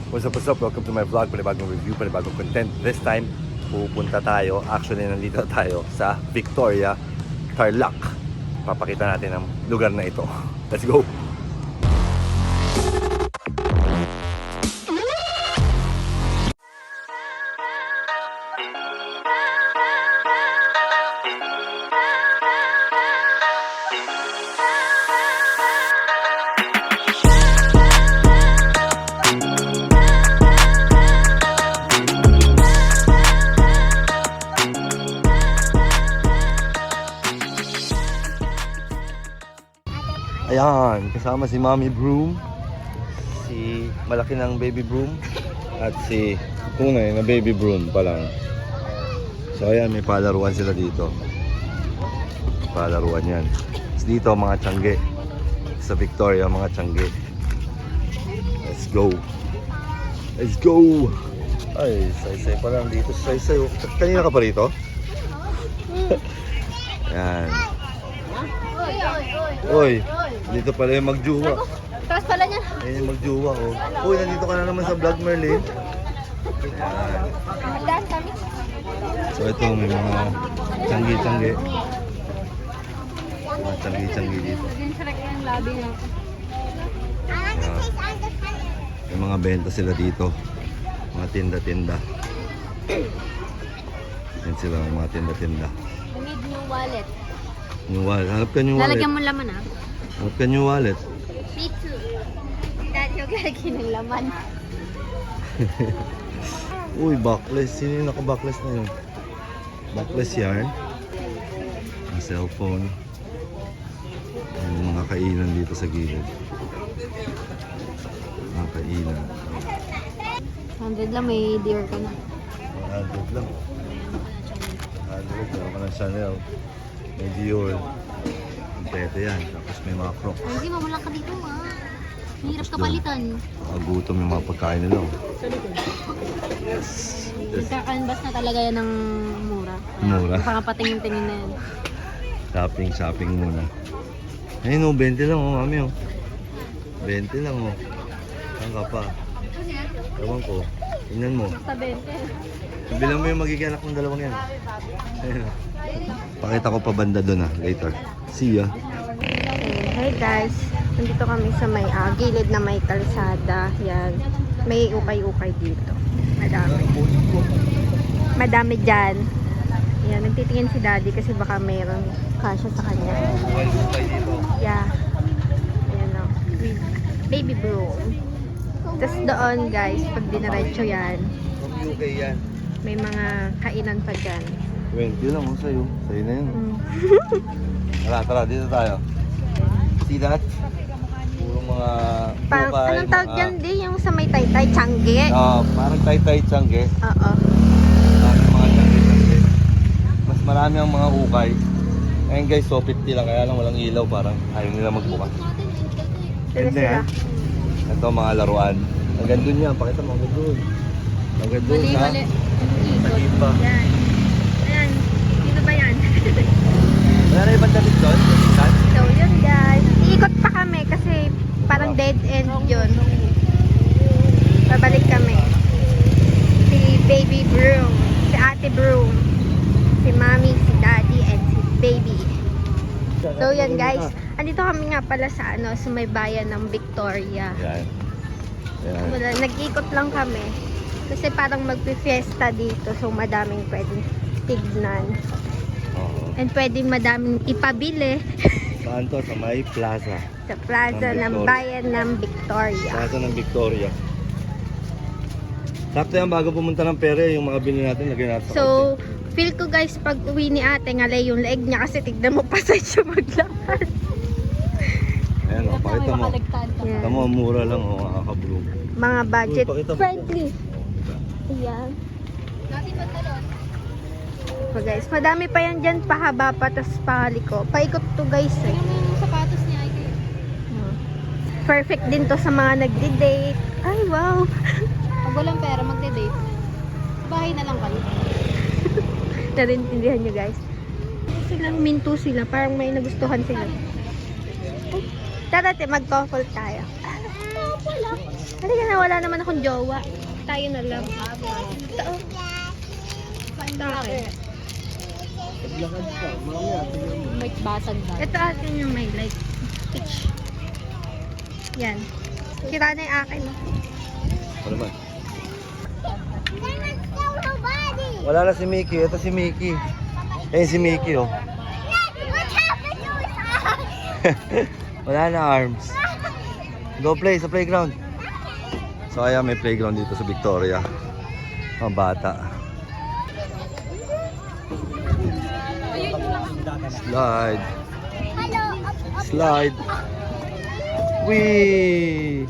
What's up, welcome to my vlog, panibagong review, panibagong content. This time, pupunta tayo, actually nandito tayo sa Victoria, Tarlac. Papakita natin ang lugar na ito. Let's go! Ayan, kasama si Mommy Broom, si malaki ng Baby Broom, at si tunay na Baby Broom pa lang. So ayan, may palaruan sila dito. Palaruan yan. Dito mga tiyangge. Sa Victoria, mga tiyangge. Let's go! Let's go! Ay, say-say pa lang dito. Say-say. Kanina ka pa rito? Ayan. Oy, dito pala yung magjuwa. Tapos pala niya. Ayan yung magjuwa, oh. Uy, nandito ka na naman sa vlog, Merlin. Ayan. Daan kami. So ito, may mga tiyangge-tiyangge. Mga tiyangge-tiyangge dito. Din sa yung labi na. May mga benta sila dito. Mga tinda-tinda. Yan sila, mga tinda-tinda. I need new wallet. New wallet. Hanap ka new wallet. Lalagyan mo laman ah. Hanap ka new wallet. Me too. Dahil yung lalagyan ng laman. Uy, backless. Sino yung naka-backless na yun? Backless yarn. Ang cellphone. Yung mga kainan dito sa gilid. Mga kainan. 100 lang, may deer ka na. 100 lang. 100. Meron ka ng Chanel. May Dior. Kompleto yan. Tapos may mga Crocs. Hindi, mamulang ka dito ah. Hirap ka palitan. Gutom yung mga pagkain nila. Yes. Ika-canvas na talaga yan ng mura. Mura. Pakapatingin-tingin na yan. Shopping muna. Ayun o, 20 lang o, mami o. 20 lang o. Saan ka pa? Ewan ko. Tingnan mo. Basta 20. Bilang mo yung magiging anak ng dalawang yan. Pakita ko pa banda doon later. See ya. Hey guys, nandito kami sa may gilid na may kalsada. Yan. May ukay-ukay dito. Madami. Madami dyan. Yan, nagtitingin si daddy kasi baka mayroong kasya sa kanya. Yeah. Ayan o. Baby broom. Tapos doon guys, pag dinaretso yan, UK yan. may mga kainan pa dyan. 20 lang o sa'yo. Sa'yo na yun. Mm. Tara, dito tayo. See that? Puro mga Parang, ukay, anong tawag dyan di? Yung sa may taytay, tiyangge. Parang tay-tay tiyangge. Oo. Mga tiyangge. Mas marami ang mga ukay. Ngayon guys, so 50 lang. Kaya lang walang ilaw. Parang ayaw nila magbukas. Sila sila. Ito mga laruan. Hanggang dun yan. Pakita mo hanggang dun. Hanggang dun ha. Mali. Maliit pa. Yan. Ayan. Dito ba yan? Wala na ibang damit doon? So yun guys. Iikot pa kami kasi parang dead end yun. Babalik kami. Si Baby Broom. Si Ate Broom. Si Mommy, si Daddy, and si Baby. So yan guys. Andito kami nga pala sa sa may bayan ng Victoria. Yan. Yan. Wala, nag-ikot lang kami. Kasi parang magpi-fiesta dito. So madaming pwedeng tignan. Oo. And pwedeng madaming ipabili Saan to? Sa may plaza. sa plaza Ng ng Victoria. bayan ng Victoria. Plaza ng Victoria. Sakto yan bago pumunta ng pere, yung mga bili natin, lagyan natin sa So, feel ko guys, pag uwi ni ate, ngalay yung leeg niya kasi tignan mo pa sa siya maglakad. Ayan o, pakita mo. Yan. Tama, mura lang o, makaka-bloom. Mga budget Uy, pakita mo. friendly. Ayan. So guys, madami pa yan dyan, pahaba pa, tas pahaliko. Paikot to guys eh. Yung sapatos niya ay kayo. Perfect din to sa mga nagdi-date. Ay, wow. Pag walang pera, magde-date. Bahay na lang kayo. Narintindihan nyo guys. Silang minto sila, parang may nagustuhan sila. Tara, mag-couple tayo. Halika na, wala naman akong jowa. Tayo na lang. Ito, oh. Bakit? May basag na. Ito atin yung may like peach. Yan. Sira na yung akin. Ano naman? Wala na si Mickey. Ito si Mickey. Eh si Mickey oh. Wala na arms. Go play sa playground. So ayan, may playground dito sa Victoria. Mga bata. Slide. Slide. Wee!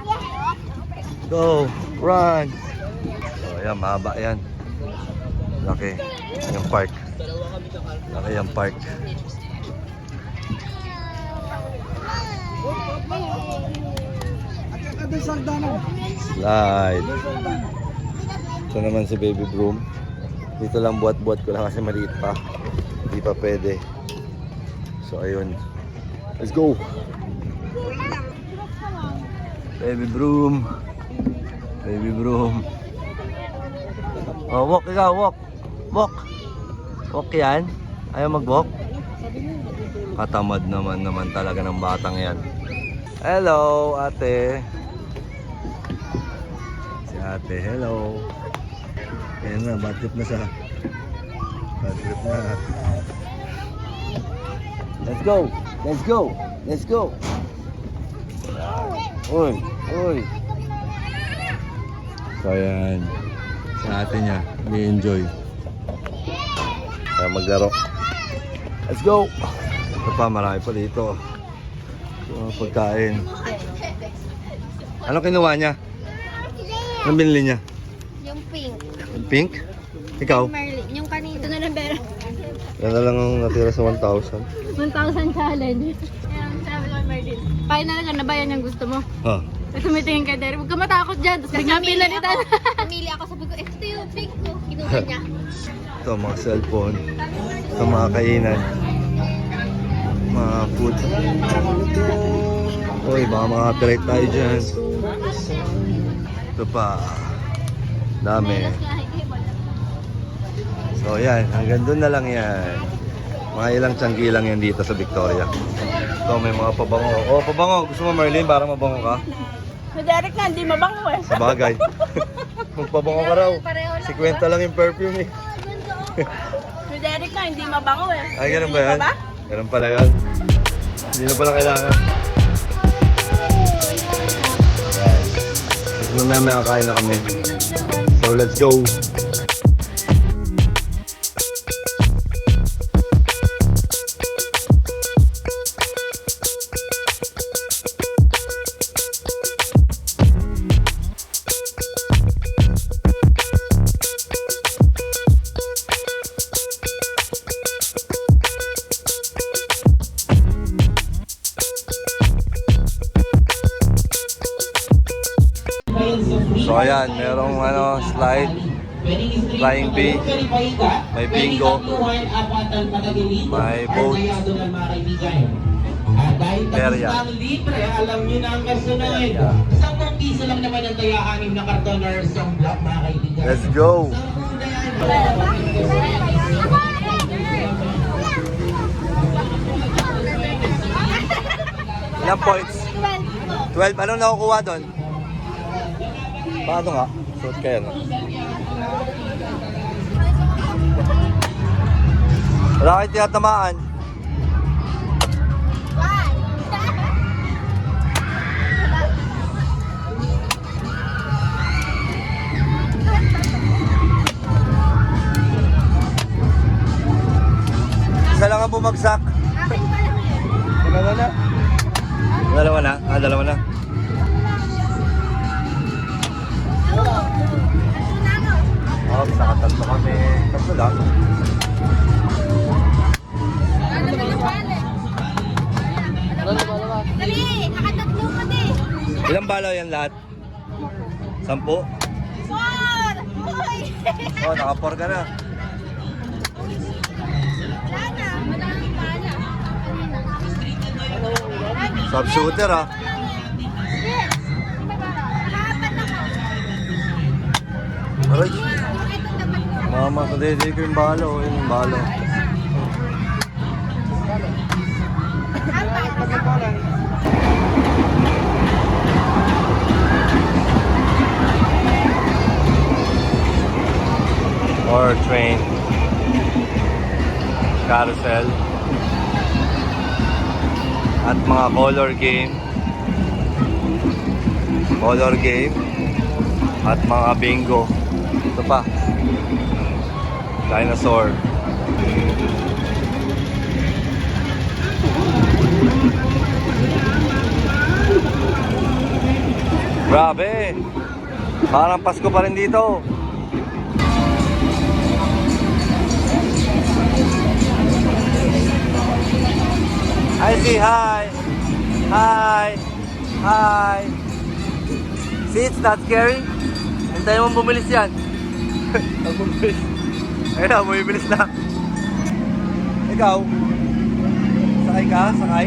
Go! Run! So ayan, mahaba yan. Laki. Yung park. Laki yung park. Slide. Ito naman si Baby Broom. Dito lang buhat-buhat ko lang kasi maliit pa. Hindi pa pwede. So ayun. Let's go! Baby Broom. Baby Broom. Oh, walk ikaw, walk. Walk. Walk yan. Ayaw mag-walk. Katamad naman talaga ng batang yan. Hello, ate. Si ate, hello. Ayan na, bad trip na siya. Bad trip na. Let's go. Let's go. Let's go. Uy, uy. So ayan. Sa ate niya, may-enjoy. Kaya maglaro. Let's go. Ito pa, marami pa dito. So, pagkain. Ano kinuha niya? Anong binili niya? Yung pink. Yung pink? Ikaw? Marley. Yung kanito na lang pero. Yan na lang ang natira sa 1,000. 1,000 challenge. Ayan, sabi ko kay Marley. Final ka na ba yan yung gusto mo? Ha? Tapos tumitingin kay Derek, huwag ka matakot dyan. Tapos biglang pinalitan. Pumili ako, sabi ko, ito yung pink ko. Kinuha niya. Ito, mga cellphone. Ito, mga kainan. Mga food. Uy, baka makapirate tayo dyan. Ito pa. Dami. So yan, hanggang doon na lang yan. Mga ilang tiyanggi lang yan dito sa Victoria. Ito, may mga pabango. Oh, pabango. Gusto mo, Marlene, para mabango ka? Si Derek na, hindi mabango eh. Sa bagay. Magpabango ka raw. 50 lang yung perfume eh. Si Derek na, hindi mabango eh. Ay, ganun ba yan? Ganun pala yan. Hindi na pala kailangan. Tapos mamaya kakain na kami. So, let's go. So ayan, merong slide, flying bee, may bingo, may boat, perya. Libre, alam nyo na ang kasunod. 10 piso lang naman ang taya-anim na karton or isang block, mga kaibigan. Let's go! Ilang points? 12. Anong nakukuha doon? Paano nga? Suot kaya no? Wala kayo tinatamaan. Isa lang ang bumagsak. Dalawa na. Dalawa na? Dalawa na. Oh, nakatatlo kami. Tatlo lang. Dali, nakatatlo ka din. Ilang balaw yan lahat? 10? 4! Hoy! Oh, naka-4 ka na. Wala na, madaming bala. Sub shooter ah. Yes! Ay! Mama, sa dede ko yung balo. Yun yung balo. More train. Carousel. At mga color game. Color game. At mga bingo. Ito pa. Dinosaur. Grabe! Parang Pasko pa rin dito. I say hi! Hi! Hi! See, it's not scary. Hintayin mong bumilis yan. Pag bumilis. Ayun na, bumibilis na. Ikaw? Sakay ka? Sakay?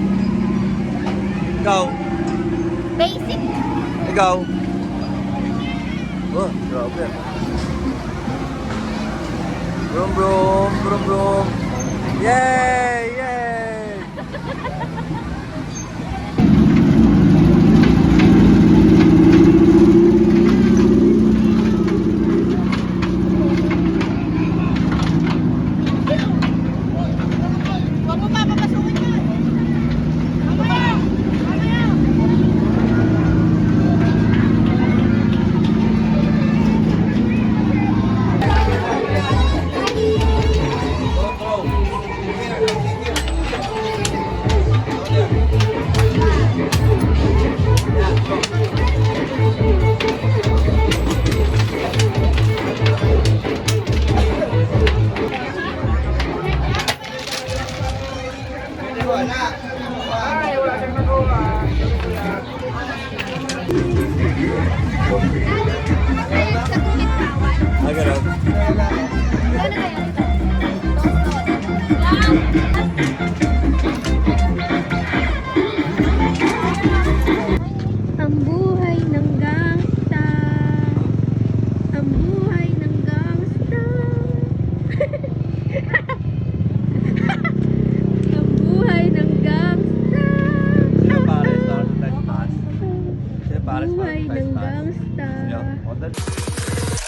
Ikaw? Basic. Ikaw? Oh, grabe. Brum brum, brum brum. Yay! Yay! Huwag mo papapasukin yun. Mamaya! Mamaya! Ah, ganun. Ang buhay ng gangsta. Ang buhay ng gangsta. Ang buhay ng gangsta. Sino Paris Northern Pass? Sino Paris Buhay Northern ng Pass? gangsta. Yeah, what the...